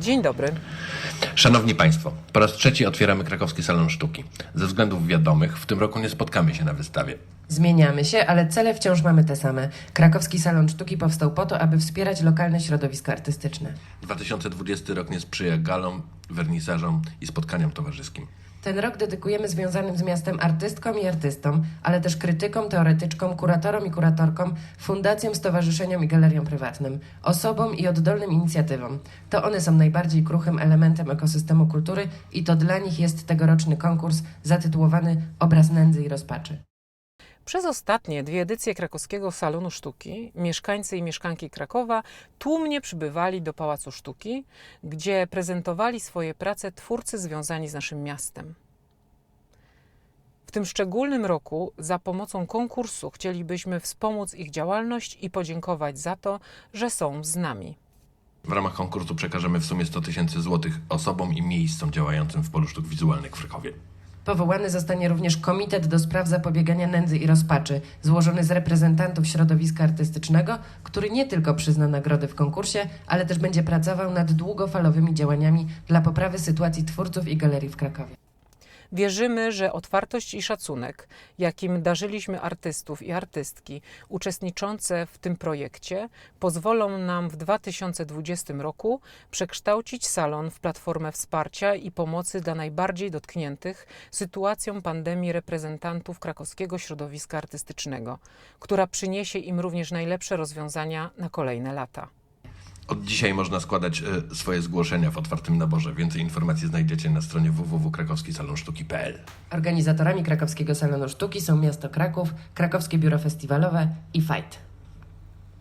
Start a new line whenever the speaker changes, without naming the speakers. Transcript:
Dzień dobry.
Szanowni Państwo, po raz trzeci otwieramy Krakowski Salon Sztuki. Ze względów wiadomych w tym roku nie spotkamy się na wystawie.
Zmieniamy się, ale cele wciąż mamy te same. Krakowski Salon Sztuki powstał po to, aby wspierać lokalne środowiska artystyczne.
2020 rok nie sprzyja galom, wernisażom i spotkaniom towarzyskim.
Ten rok dedykujemy związanym z miastem artystkom i artystom, ale też krytykom, teoretyczkom, kuratorom i kuratorkom, fundacjom, stowarzyszeniom i galeriom prywatnym, osobom i oddolnym inicjatywom. To one są najbardziej kruchym elementem ekosystemu kultury i to dla nich jest tegoroczny konkurs zatytułowany Obraz nędzy i rozpaczy.
Przez ostatnie 2 edycje Krakowskiego Salonu Sztuki mieszkańcy i mieszkanki Krakowa tłumnie przybywali do Pałacu Sztuki, gdzie prezentowali swoje prace twórcy związani z naszym miastem. W tym szczególnym roku za pomocą konkursu chcielibyśmy wspomóc ich działalność i podziękować za to, że są z nami.
W ramach konkursu przekażemy w sumie 100 000 złotych osobom i miejscom działającym w polu sztuk wizualnych w Krakowie.
Powołany zostanie również Komitet do spraw zapobiegania nędzy i rozpaczy, złożony z reprezentantów środowiska artystycznego, który nie tylko przyzna nagrody w konkursie, ale też będzie pracował nad długofalowymi działaniami dla poprawy sytuacji twórców i galerii w Krakowie.
Wierzymy, że otwartość i szacunek, jakim darzyliśmy artystów i artystki uczestniczące w tym projekcie, pozwolą nam w 2020 roku przekształcić salon w platformę wsparcia i pomocy dla najbardziej dotkniętych sytuacją pandemii reprezentantów krakowskiego środowiska artystycznego, która przyniesie im również najlepsze rozwiązania na kolejne lata.
Od dzisiaj można składać swoje zgłoszenia w otwartym naborze. Więcej informacji znajdziecie na stronie www.krakowskisalonsztuki.pl.
Organizatorami Krakowskiego Salonu Sztuki są miasto Kraków, Krakowskie Biuro Festiwalowe i FIGHT.